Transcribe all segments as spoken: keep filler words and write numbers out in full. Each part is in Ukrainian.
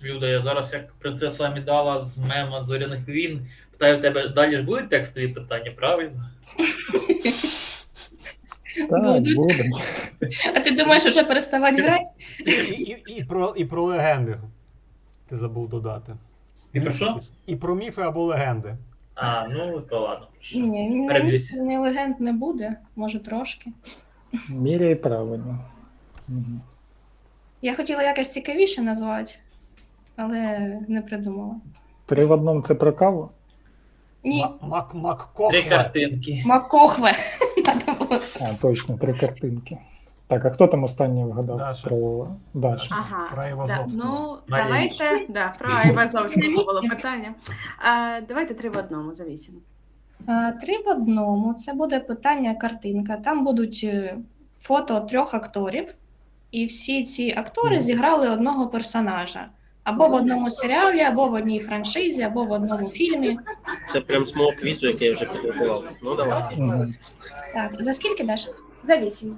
Люда, я зараз як принцеса Амідала з мема Зоряних війн. Питаю тебе, далі ж будуть текстові питання, правильно? Так, Будуть. будуть. А ти думаєш, вже переставати грати? І, і, і, і, про, і про легенди. Ти забув додати. І про Міфи що? якісь. І про міфи або легенди. А, ну то ладно. Ні, ні, Переб'юсь. ні, легенд не буде, може трошки. Міряй правильно. Мгм. Я хотіла якось цікавіше назвати, але не придумала. Три в одному це про каву? Ні, Ма- Мак Три Маккохве. картинки. Макохве. Надо було. А, точно, три картинки. Так, а хто там останній вгадав? Даша. Про Даша. Ага, Про да. Айвазовського. Ну, Марія. давайте, да, про Айвазовського було питання. А, давайте три в одному за вісім. А, Три в одному. Це буде питання картинка. Там будуть е, фото трьох акторів, і всі ці актори зіграли одного персонажа. Або в одному серіалі, або в одній франшизі, або в одному фільмі. Це прям з мого квізу, який я вже підготував. Ну давай. Мгм. Так, за скільки даш? За вісім.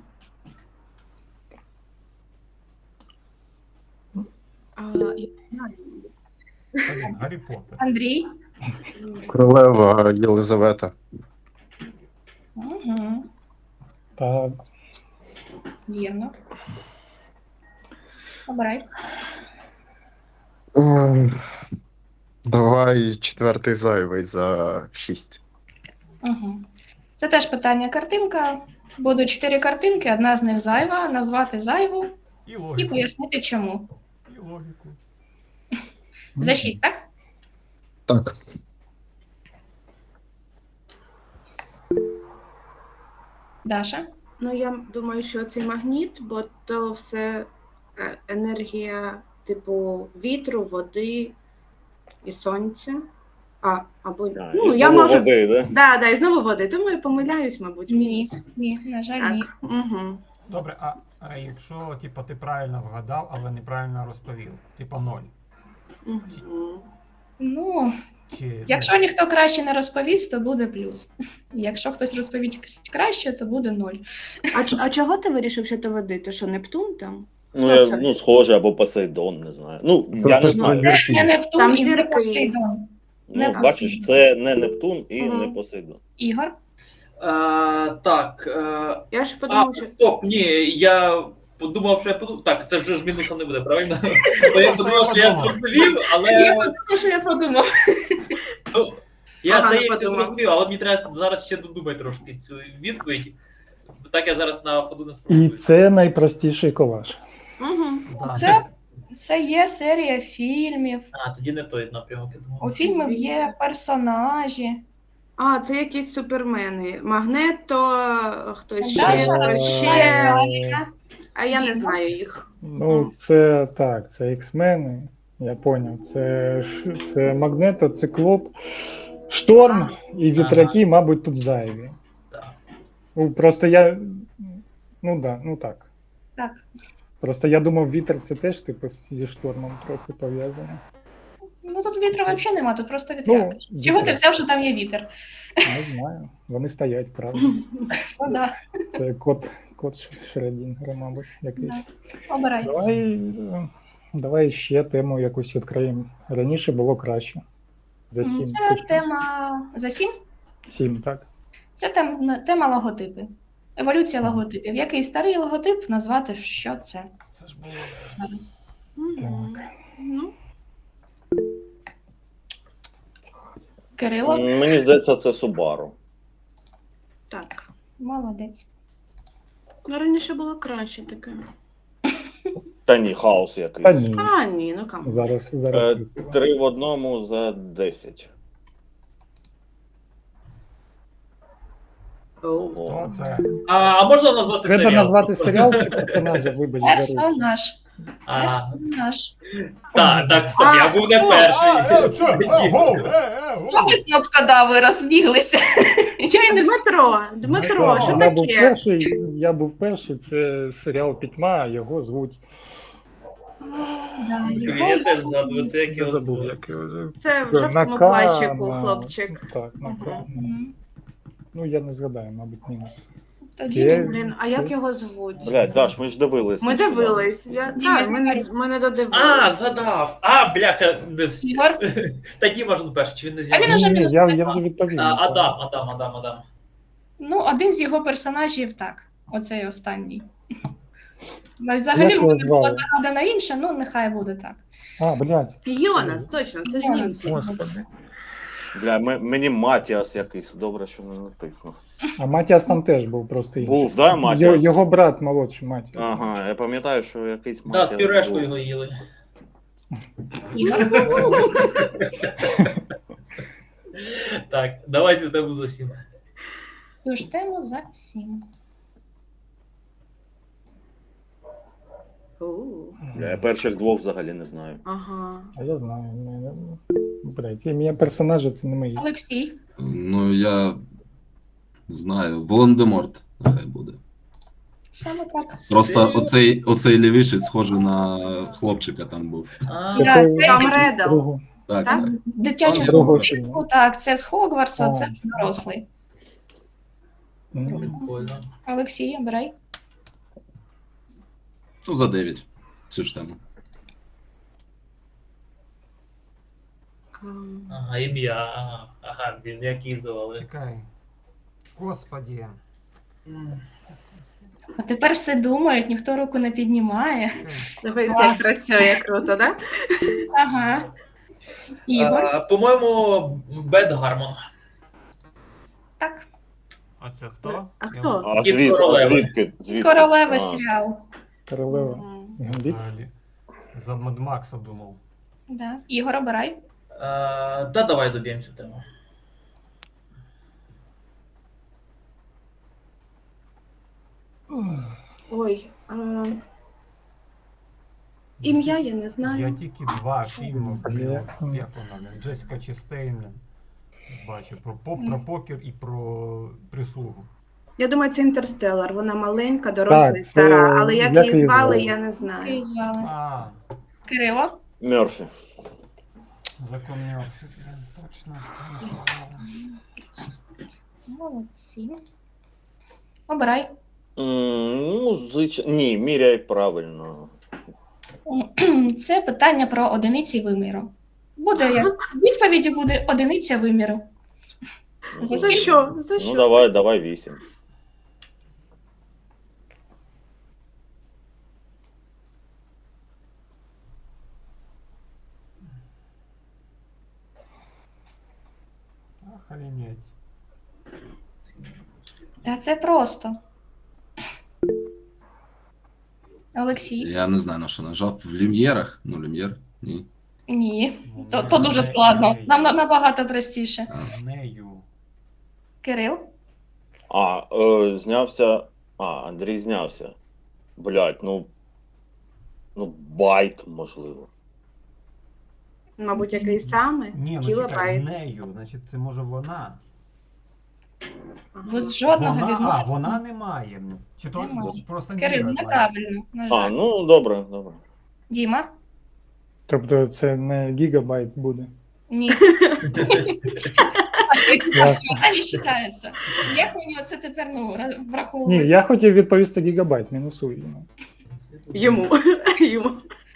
А, я знаю. Гаррі- Гаррі Поттер. Андрій? Королева Єлизавета. Угу, Та вірно. Обирай. Ем, Давай четвертий зайвий за шість. Угу. Це теж питання картинка. Будуть чотири картинки, одна з них зайва, назвати зайву І і логіку. пояснити чому. І логіку. За шість, так? Так. Даша? Ну, я думаю, що цей магніт, бо то все е, енергія типу вітру, води і сонця. А, або, А, ну, і я знову можу... води, да? Да, да, і знову води. Тому я помиляюсь, мабуть, Ні, мінус. ні, на жаль, ні. Так, угу. Добре, а, а якщо типа, ти правильно вгадав, але неправильно розповів? Типа ноль. Угу. Ну, Чи, якщо ніхто краще не розповість, то буде плюс. Якщо хтось розповість краще, то буде ноль. А, ч- а чого ти вирішив, що то води? Ти що, Нептун там? Ну, Хто я, це? ну, схоже, або Посейдон, не знаю. Ну, я Просто не ж знаю. це Це не Нептун Там і не зірки. Посейдон. Ну, не бачиш, це не Нептун і Мгм. не Посейдон. Ігор? Е, так. Е, Я ж а, подумав, що... стоп, ні, я подумав, що я подумав. Так, це вже ж мінуса не буде, правильно? Бо я подумав, що я зрозумів, але. Я подумала, що я подумав. Ну, я, Погано здається, подумав. зрозумів, але мені треба зараз ще додумати трошки цю відповідь. Так я зараз на ходу не і сформулюю. це найпростіший колаж. Угу. Да. Це, це є серія фільмів. А, тоді не в той напрямок, я думав. У фільмів є персонажі. А, це якісь супермени. Магнето, хтось Да, ще, да, хтось да. ще. Да. А я не Діма? знаю їх. Ну, це так, це X-мени, я поняв. Це, Ш- це Магнето, Циклоп, Шторм і вітряки, мабуть, тут зайві. Так. Ну, просто я. Ну да, ну так. Так. Просто я думав, вітер це теж типу зі штормом трохи пов'язано. Ну тут вітру взагалі нема, тут просто вітряк. Ну, Чого ти вітряк. взяв, що там є вітер? Не знаю. Вони стоять, правда. Ну, да. Це код, код Ш- Шрёдінгера, мабуть, якийсь. Обирай. Давай, е, давай ще тему якусь відкриємо. Раніше було краще. За сім. Це що? тема за сім. Сім, так? Це тем, тема логотипи. Еволюція логотипів. Який старий логотип назвати, що це Це ж було. зараз? Мгм. Ну, Кирило? М, Мені здається, це Subaru. так. Молодець. Ну, раніше було краще таке. Та ні, хаос Та якийсь. ні. А, ні, ну кам. Зараз, зараз. Е, крутила. Три в одному за десять. Оу. Ого. То це. А, а можна назвати Треба серіал? назвати серіал чи персонажа, вибач, за руку. Персонаж. А, Персонаж. так, так, стоп, я був не А, перший. Е, що? Е, гоу, е, е, гоу. Мабуть, кнопка да, ви розбіглися. Я і не встигла. Дмитро, Дмитро, що Я був таке? перший, я був перший, це серіал Пітьма, його звуть. Да, Я його- теж згадую, це як Я його забув, звуть. як його звуть. Це в Нака- жовтому плащику, на- хлопчик. Так, Нака. Мгм. Мгм. Ну, я не згадаю, мабуть, мінус. Тоді Є. Блін, а як його звуть? Блядь, Даш, ми ж дивились. Ми дивились. Я, Діма, так, ми, не, ми не додивились. А, згадав! А, бляха, не встиг. Ігор. Та Діма ж перший, чи він не А він зняв? уже Ні, не ні, я, я встигав. вже відповів. А, Адам, Адам, Адам, Адам. Ну, один з його персонажів так. Оцей останній. Ну, Взагалі Як його буде була звали? загадана інша, ну нехай буде так. А, блядь. Йонас, точно, це ж німці. Господи. Бля, м- мені Матіас якийсь, добре, що не натиснув. А Матіас там теж був просто інший. Був, да, Йо- Матіас? Його брат молодший Матіас. Ага, я пам'ятаю, що якийсь Да, Матіас з пюрешкою був. його їли. Ігор. Так, давайте в тебе за сім. Тож тему за сім. У, Бля, я перших двох взагалі не знаю. Ага. А я знаю. мене- Блядь, ім'я персонажа це не мої. Олексій. Ну, я знаю, Волан-де-Морт нехай буде. Саме так. Просто оцей, оцей лівіший схожий на хлопчика там був. А, Да, Якої- це Там Реддл. Другу. Так, Так? так. з дитячого Другого фільму. фільму. Так, це з Хогвартсу, А. це дорослий. М. прикольно. Олексій, обирай. Ну, за дев'ять цю ж тему. Ам, Ага, ім'я. Ага, ага, він який звали. Чекай. Господі. А тепер все думають, ніхто руку не піднімає. Дивись, як Клас. працює круто, да? Ага. Ігор. А, по-моєму, Бет Гармон. Так. А це хто? А хто? А Кіт звід, а королеви. звідки? звідки? Королева А. серіал. Королева. Мгм. Гамбіт. Взагалі. За Мад Макса думав. Да. Ігор, обирай. А, да, давай доб'ємо цю тему. Ой. А... Ім'я я не Я знаю. тільки два фільми, блін, Є. от як вона, блін, Джесіка Честейн, блін, бачу, про, поп, про покер і про прислугу. Я думаю, це Інтерстеллар. Вона маленька, доросла Так, і це- стара, але як як її її звали, звали? я не Її знаю. звали. А, Кирило. Мерфі. закон Мёрфі, блін, точно. Молодці. Обирай. М, Ну, звичайно. Ні, міряй правильно. Це питання про одиниці виміру. Буде як в відповіді буде одиниця виміру. За За скільки? що? За Ну, що? давай, давай вісім. Охренеть. Та це просто. Олексій? Я не знаю, на що нажав. В Люм'єрах? Ну, Люм'єр? Ні. Ні. Ну, Це то дуже не- складно. не- Нам на- набагато простіше. А. Нею. Кирил? А, е, знявся. А, Андрій знявся. Блять, ну. Ну, байт, можливо. Мабуть, який саме? Ні, ну чекай, Кілобайт. нею, значить це може вона. Ага. Без жодного Вона, а, відношення. вона не має. Чи то Немає. просто Кирил, Міра має? неправильно. На А, жаль. ну добре, добре. Діма? Тобто це не гігабайт буде. Ні. Та не вважається. Як мені оце тепер ну, ра- Ні, враховувати? я хотів відповісти гігабайт, мінусую йому. Йому. Йому.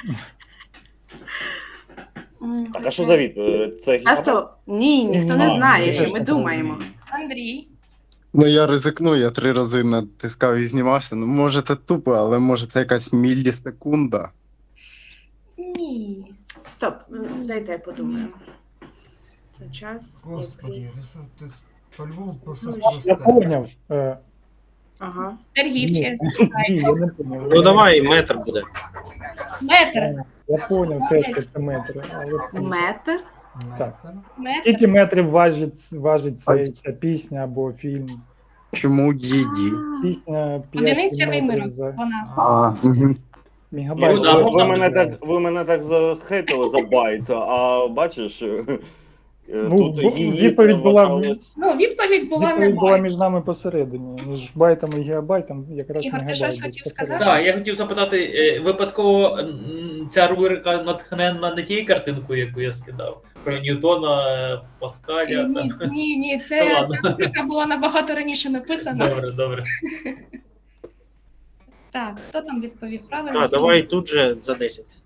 М. Так, а що за від? Е, Це А гігабайт? стоп. Ні, ніхто не А, знає, ні, що я ми ж думаємо. Андрій? Ну я ризикну, я три рази натискав і знімався. Ну, може це тупо, але може це якась мілісекунда. Ні. Стоп, дайте я подумаю. Це час. Господи, який- ти що ти по-любому про щось Ну, просте. Я поняв. Е, Ага. Сергій Ні. вчився. ні, я не поняв. Ну давай, метр буде. Метр. Я поняв теж, що це метри. Але Метр. Так. Метр. Метр. скільки метрів важить, важить А цей, ц- ця пісня або фільм? Чому її? А, Пісня Одиниця п'ять виміру. метрів за Вона. А, угу. мегабайт. Ну, да, ви, можна ви, мене буде. так, ви мене так захейтили за байт, а бачиш, Ну, Тут бо- її відповідь це була- вважалось- Ну, відповідь була Відповідь була немає. між нами посередині. Між байтом і гігабайтом якраз Ігор, ти мегабайт щось був хотів посередині. сказати? Так, я хотів запитати, е, випадково м, ця рубрика натхненна не тією картинкою, яку я скидав, про Ньютона, е, Паскаля. Ні, Там. ні, ні, Ну, це ладно. ця рубрика була набагато раніше написана. Добре, добре. Так, хто там відповів правильно? А, давай тут же за десять.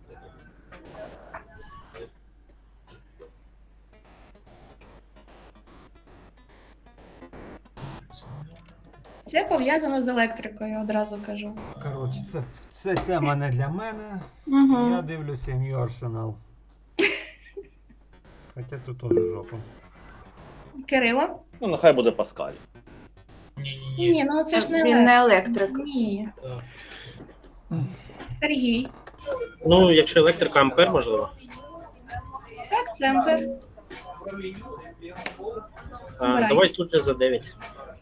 Це пов'язано з електрикою, одразу кажу. Коротше, це, це тема не для мене. Угу. Я дивлюся New Arsenal. Хоча тут теж жопа. Кирило? Ну, нехай буде Паскаль. Ні-ні-ні. Ні, ну це ж не Він не електрик. Ні. Так. Сергій. Ну, якщо електрика ампер, можливо. Так, це ампер. А, Обирай. давай тут же за дев'ять.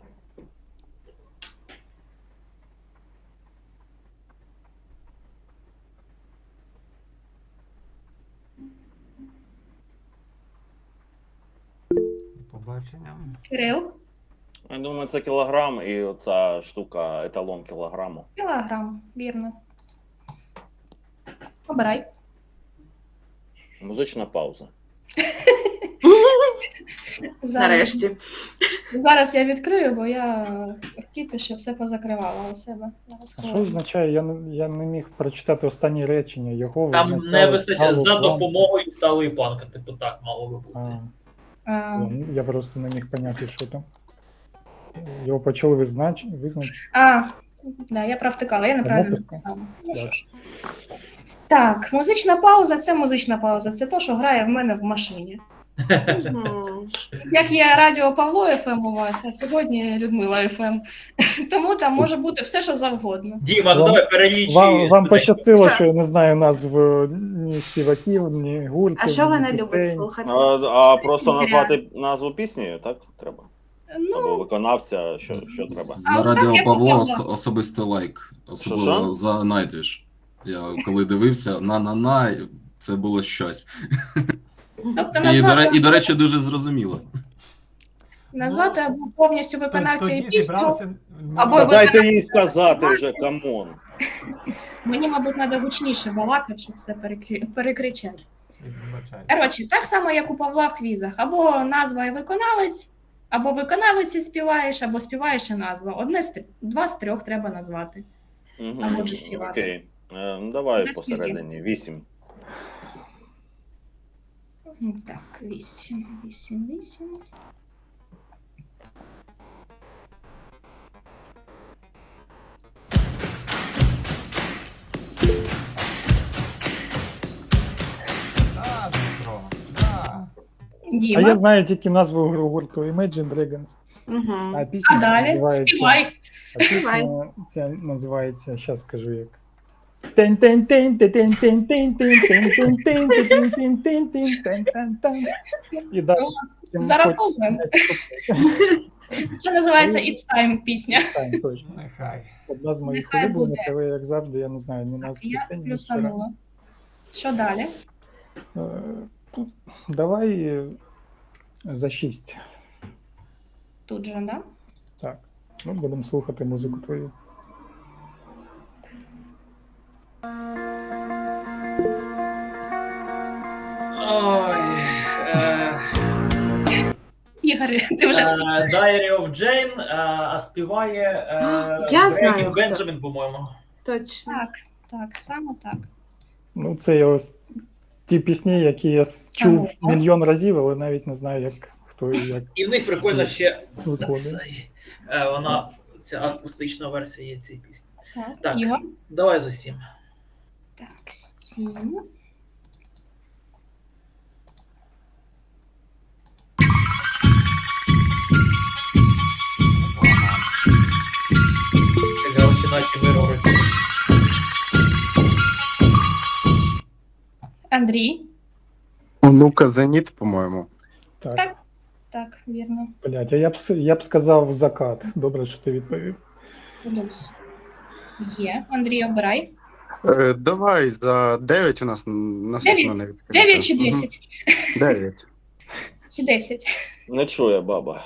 До побачення. Кирил. Я думаю, це кілограм і оця штука еталон кілограму. Кілограм, вірно. Обирай. Музична пауза. Зараз, Нарешті. зараз я відкрию, бо я в кіпіші все позакривала у себе. Зараз А що хвилину. означає? Я не, я не міг прочитати останні речення. Його Там визначали не вистачає сталу за планку. допомогою сталої планки, типу так мало би бути. А, А, я, я просто не міг поняти, що там. Його почали визнач... визначити. а, да, я провтикала, я неправильно Кнопочка. написала. Ну, що Так. ж. Так, музична пауза це музична пауза. Це то, що грає в мене в машині. Мгм. Як є радіо Павло еф ем у вас, а сьогодні Людмила еф ем. Тому там може бути все, що завгодно. Діма, ну Вам- давай перелічи. Вам, вам людей. пощастило, Що? що я не знаю назв е, ні співаків, ні гуртів. А що ви ні не любите пісень. слухати? А, а просто назвати назву пісні, так? Треба. Або Ну, виконавця, що, що треба. За А, Радіо так, я Павло хотіла. ос- особисто лайк. Що-що? Особливо за Nightwish. Я коли дивився, на-на-на, це було щось. тобто І, до, ре- назвати, і, до речі, дуже зрозуміло. назвати або повністю Т- виконавця і Тоді пісню. зібрався. Або Та ви- дайте їй сказати вже, камон. Мені, мабуть, треба гучніше балакати, щоб все перекрі... перекричати. Вибачаю. Коротше, так само, як у Павла в квізах. Або назва і виконавець, або виконавець і співаєш, або співаєш і назва. Одне з трьох, два з трьох треба назвати. Угу. А може співати. Окей. Е, ну, давай За скільки? посередині. Вісім. Ну, Так, вісім, вісім, вісім. Да, Дмитро, да. А Діма. я знаю тільки назву гуру- гурту Imagine Dragons. Мгм. А пісня А далі називається... співай. А пісня Співай. ця називається, зараз скажу як. тен тен тен тен тен тен тен тен тен тен тен тен тен тен тен тен тен тен. І далі. потім Зараховуємо. Це називається It's Time пісня. Так, точно. Нехай. Одна з моїх Нехай улюблених, буде. але як завжди, я не знаю ні Так, назв я пісень, ні плюсанула. Що далі? Е, Давай е, за шість. Тут же, да? Так. Ну, будемо слухати музику твою. Ой. Е, Ігор, ти вже е, Diary of Jane, е, а співає е, Я знаю, Брейні хто. Бенджамін, по-моєму. Точно. Так, так, саме так. Ну, це я ось ті пісні, які я с- чув Ага. мільйон разів, але навіть не знаю, як хто і як І в них прикольно ще виконує. цей, е, вона, ця акустична версія є цієї пісні. Так, Так. Ігор. Давай за сім. Так, сім. Галичина чи Мировець. Андрій. Онука Зеніт, по-моєму. Так, Так. Так, вірно. блядь, а я б, с- я б сказав закат. Добре, що ти відповів. Плюс. Є. Андрій, обирай. Е, давай за дев'ять у нас наступна Дев'ять? не відкрита. Дев'ять чи Мгм. десять? Дев'ять. І десять. Не чує баба.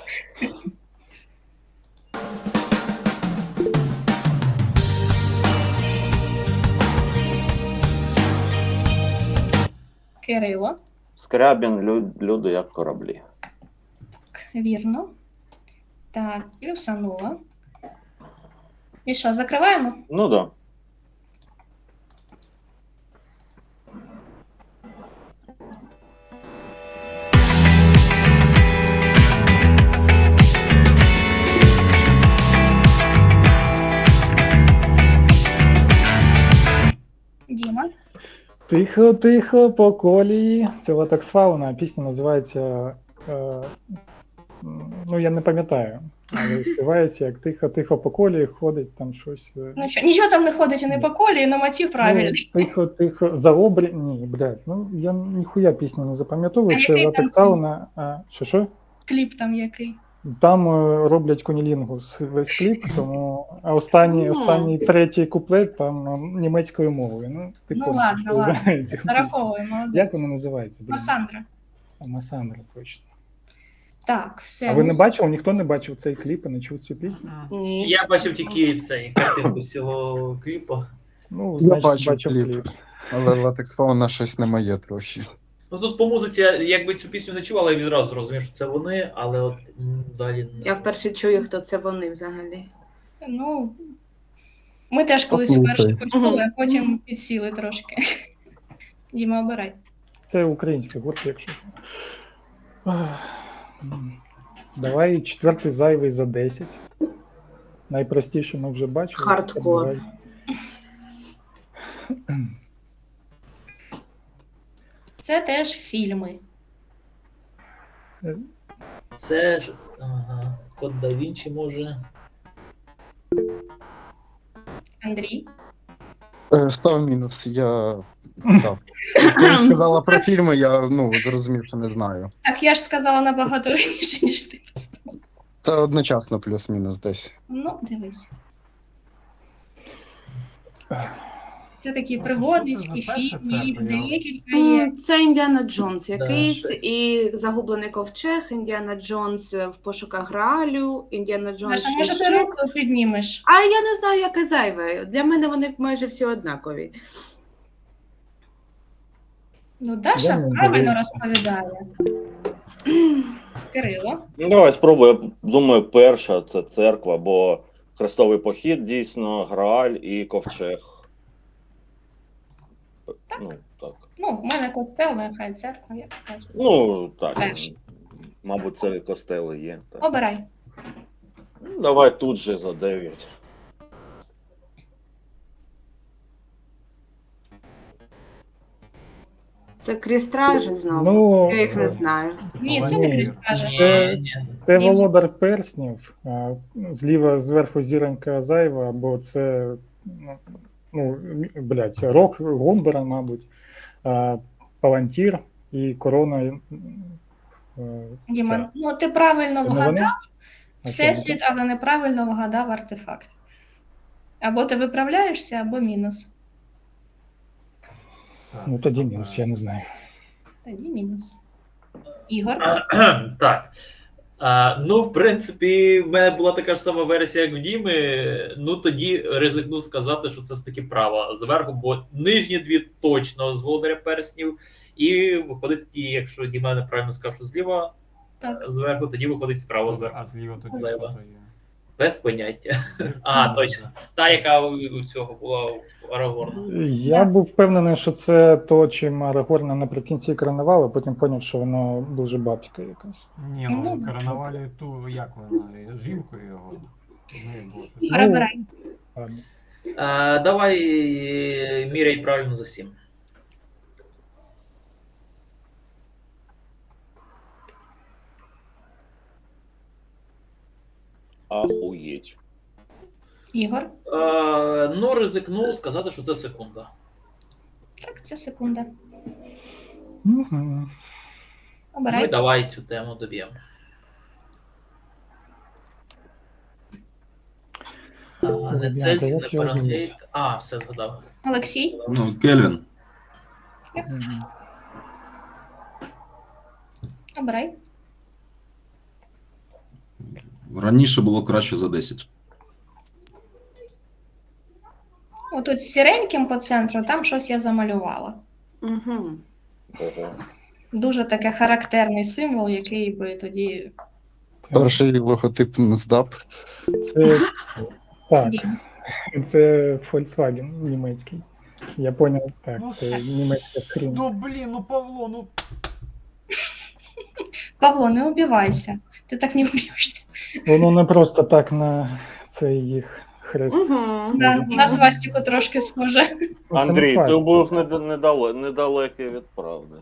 Кирило. Скрябін, лю- люди як кораблі. Вірно. Так, плюсанула. І що, закриваємо? Ну да. Діма. Тихо, тихо, по колії. Це Латекс Фауна, пісня називається. Е, ну, я не пам'ятаю. Але співається як тихо, тихо по колії, ходить там щось. е, Ну, що, нічого там не ходить і не по колії, але мотив правильний. Ну, тихо, тихо. За обрі... Ні, блядь, ну я ніхуя пісню не запам'ятовую. А Це який Латекс там Фауна. А, що що? Кліп там який. Там е, роблять конілінгус весь кліп, тому а останній, Мгм. останній третій куплет там е, німецькою мовою. Ну, ти Ну, понял, ладно, що ладно. знаєте цю пісню. Зараховуємо, молодець. Як вона називається? блін? Масандра. А, Масандра, точно. Так, все. А ви не ну, бачили? Ніхто не бачив цей кліп і не чув цю пісню? Ні. Я бачив тільки цей картинку з цього кліпу. Ну, Я значить, бачив бачив кліп. кліп. Але латекс фауна щось не моє трохи. Ну тут по музиці, я якби цю пісню не чув, але я відразу зрозумів, що це вони, але от м, далі не Я вперше чую, хто це вони взагалі. Ну, ми теж колись Послухай. вперше почули, а потім підсіли трошки. Діма, обирай. Це український гурт, якщо. що. Ах, м. Давай четвертий зайвий за десять. Найпростіше ми вже бачили. Хардкор. Давай. Це теж фільми. Це ж. Ага. Код да Вінчі може. Андрій. Е, Став мінус, я став. Коли сказала про фільми, я ну, зрозумів, що не знаю. Так, я ж сказала набагато раніше, ніж ти поставив. Це одночасно плюс-мінус десь. Ну, дивись. Це такі Ну, пригодницькі що це за перша фільми, їх церква? Я- декілька є. М, Це Індіана Джонс якийсь, ще- і загублений ковчег, Індіана Джонс в пошуках Граалю, Індіана Джонс Маша, ще може ти ще. руку піднімеш? А я не знаю, яке зайве. Для мене вони майже всі однакові. Ну, Даша Я не правильно дивився. розповідає. Кирило. Ну давай спробую. Я думаю, перша це церква, бо хрестовий похід дійсно, Грааль і ковчег. Ну, так. Ну, в мене костел, нехай церква, як скажеш. Ну, так. Перша. Мабуть, це костели є. Так. Обирай. Ну, давай тут же за дев'ять. Це крістражі знову. Ну, Я їх не знаю. Ні, це Ні. не крістража. Це- Ні, ні. Це Ні. Володар Перснів, а, зліва зверху зіронька зайва, або це ну, ну блядь, рок Гомбера, мабуть, а, Палантір і корона. е, Діма, ця. ну ти правильно Це не вони? вгадав А всесвіт, але неправильно вгадав артефакт. Або ти виправляєшся, або мінус. Так, Ну тоді стоп, мінус, е, я не знаю. Тоді мінус. Ігор. Так. А, ну, в принципі, в мене була така ж сама версія, як в Діми. Ну, тоді ризикну сказати, що це все таки права зверху, бо нижні дві точно з Володаря Перснів. І виходить тоді, якщо Діма неправильно сказав, що зліва Так. зверху, тоді виходить справа зверху. А зліва тоді Зайва. що то є? Без поняття. Зірка? А, точно. Та, яка у, у цього була у Арагорна. Я був впевнений, що це то, чим Арагорна наприкінці коронували, потім зрозумів, що воно дуже бабське якесь. Ні, Ну, ну да. коронували ту, як вона, жінкою його. В неї було щось. Ігор, Ну, обирай. Ладно. А, давай е, міряй правильно за сім. Ахуєть. Ігор. А, ну, ризикну сказати, що це секунда. Так, це секунда. Мгм. Ну і Обирай. давай цю тему доб'ємо. Ага, не Ребята, Цельсій, не як його звуть? Фаренгейт. А, все згадав. Олексій. Ну, Кельвін. Мгм. Обирай. Раніше було краще за десять. Отут з сіреньким по центру, там щось я замалювала. Угу. Ого. Дуже таке характерний символ, який би тоді. Перший логотип NSDAP. Це так, Дім. це Volkswagen німецький. Я поняв, так, Ну, це німецька хрінь. Ну блін, ну Павло, ну Павло, не убивайся. Ти так не вб'єшся. Воно не просто так на цей їх хрест. Угу. На, на свастику трошки схоже. Андрій, ти був недо- недале- недалекий від правди.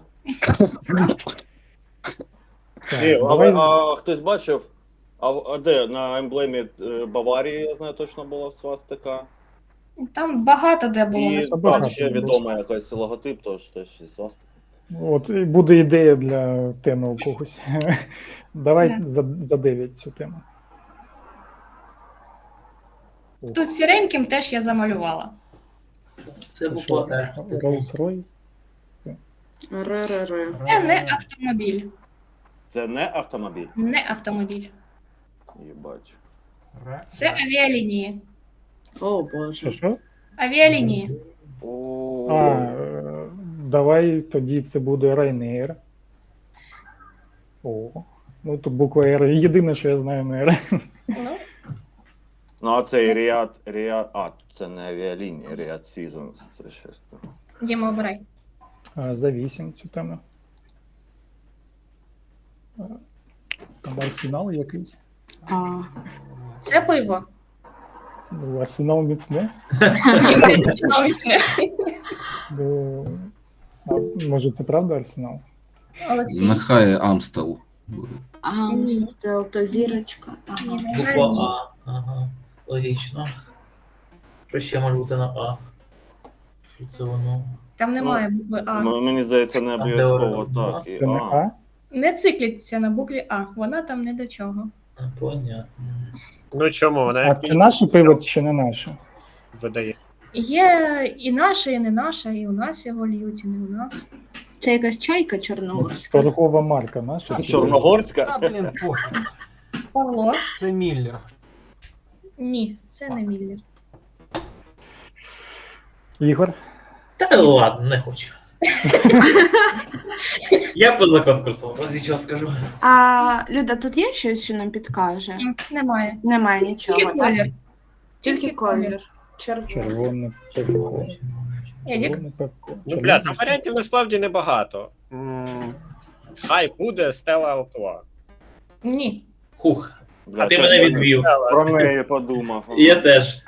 Ні, але а хтось бачив, а, в- а де на емблемі е, Баварії, я знаю, точно була свастика. Там багато де було. І особливо так, багато ще було. відома якась логотип, тож теж і свастика. От і буде ідея для теми у когось. Давай Да. за, за дев'ять цю тему. Тут сіреньким теж я замалювала. Це буква Р. Rolls-Royce. Р-р-р. Це не автомобіль. Це не автомобіль. Не автомобіль. Їбач. ре- Це авіалінії. О, Що, Боже. що? Авіалінії. О, А, е, давай тоді це буде Ryanair. О, ну тут буква R. Єдине, що я знаю на R. Ну, Ну, а цей Ріад, Ріад, а, це не авіалінія, Ріад Seasons, це щось. Діма, обирай. А, за вісім цю тему. А, Там арсенал якийсь. А, Це пиво. Ну, арсенал міцне. Навіть не. Бо... А, може це правда арсенал? Олексій. Нехай Амстел буде. Амстел, то зірочка. Ага. Ні, на жаль, Буква ні. А. Ага. Логічно. Що ще може бути на А? Що це воно? Там немає букви А. М- Мені здається, не А де обов'язково вона? так. І, Це не а. А? Не цикліться на букві А. Вона там не до чого. А, понятно. Ну чому, вона А як це наше пиво чи не наше? видає. Є і наше, і не наше, і у нас його льють, і не у нас. Це якась чайка чорногорська. Торгова марка наша. чи- Чорногорська? Та блін, пофіг. Павло? Це Міллер. Ні, це не Міллер. Ігор? Та ладно, не хочу. Я поза конкурсом, ось нічого скажу. А, Люда, тут є щось, що нам підкаже? М, Немає. Немає нічого. Тільки так? колір. Тільки колір. Червоний. Червоне пивко. Едік? Червоне пивко. Ну, бля, там варіантів насправді небагато. М, Хай буде Стелла Артуа. Ні. Хух, Бля, а ти теж мене про- відвів. Про неї подумав. Я теж.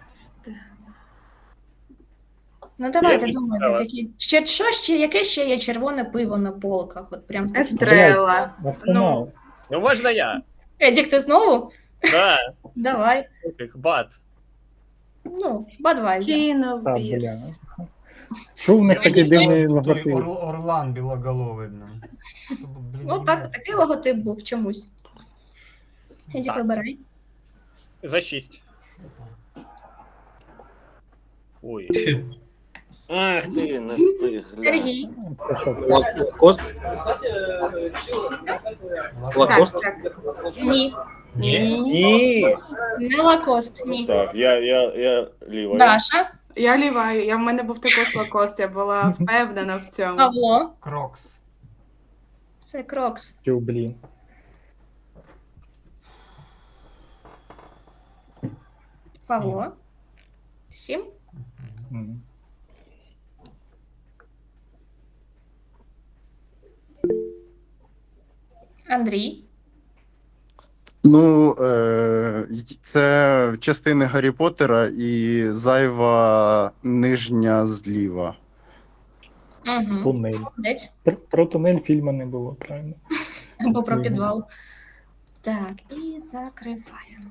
Ну давайте Я думайте, підказала. такі. Ще що ще, яке ще є червоне пиво на полках? От прям таке. Естрела. Арсенал. Ну, можна я. Едік, ти знову? Да, Давай. як бат. Ну, Бадвайзер. King of Та, бля. Beers. Що в них такий дивний Той логотип? Ор- Орлан білоголовий, блін. Блін, Ну так, німецький. такий логотип був чомусь. Едік, Так. вибирай. За шість. Ой. Ах ти, не встиг. гля. Сергій. Це що? Лакост? Так, Лакост? так. Ні. Ні. Ні. Не лакост, ні. Так, я, я, я ліва. Даша, Я ліваю. Я в мене був також лакост, я була впевнена в цьому. Павло. Крокс. Це Крокс. Тю, блін. Павло. Сім. Мгм. Андрій. Ну, е, це частини Гаррі Поттера і зайва нижня зліва. Угу. Тунель. Молодець. Про, про тунель фільму не було, правильно? Або про Мгм. підвал. Так, і закриваємо.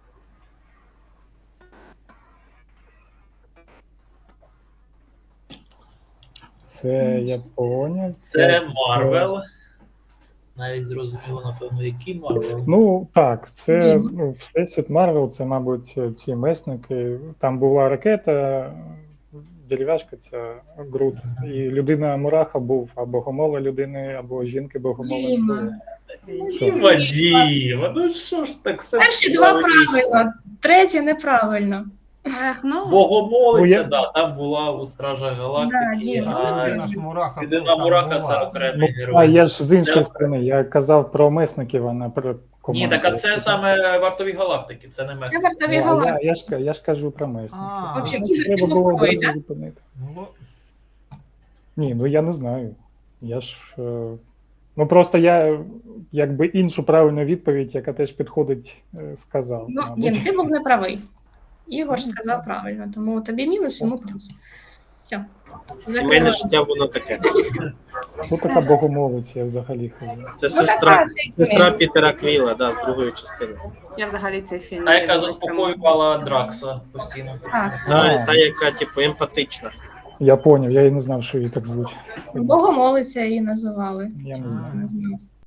Це я поняв. Це Марвел. Навіть зрозуміло, напевно, який Марвел. Ну так, це Ні. ну, Всесвіт Марвел, це, мабуть, ці месники. Там була ракета, дерев'яшка, ця Грут. І людина Мураха був або гомола людини, або жінки богомола не Діма. було. Діма, Діма, ну що ж так все. Перші два правильно. правильно, третє неправильно. Ех, ну, Богомолиця, Ну, я- да, там була у Стражах Да, Галактики, Діма, а Людина ж Мураха людина там Мураха це була. окремий Ну, герой. а я ж з іншої Це- сторони, я казав про месників, а не про команду. Ні, так а це саме вартові галактики, це не Це месник. вартові Ну, а я, галактики. я, ж, я ж кажу про месників. А. Вообще, Ну, Ігор, ти треба був було правий, одразу да? зупинити. Ну, ло- Ні, ну я не знаю. Я ж. е, Ну просто я якби іншу правильну відповідь, яка теж підходить, е, сказав. Ну, мабуть. Дім, ти був неправий. Ігор сказав правильно, тому тобі мінус, йому плюс. Все. Сімейне життя воно таке. Хто така богомолець, я взагалі хожу. Це Ну, сестра, така це сестра Пітера Квіла, да, з другої частини. я взагалі цей фільм Та, не яка дивилась, тому- заспокоювала Дракса постійно. А, Та, та яка, типу, емпатична. Я поняв, я і не знав, що її так звуть. Богомолиця її називали. Я не Хто знаю. не знав.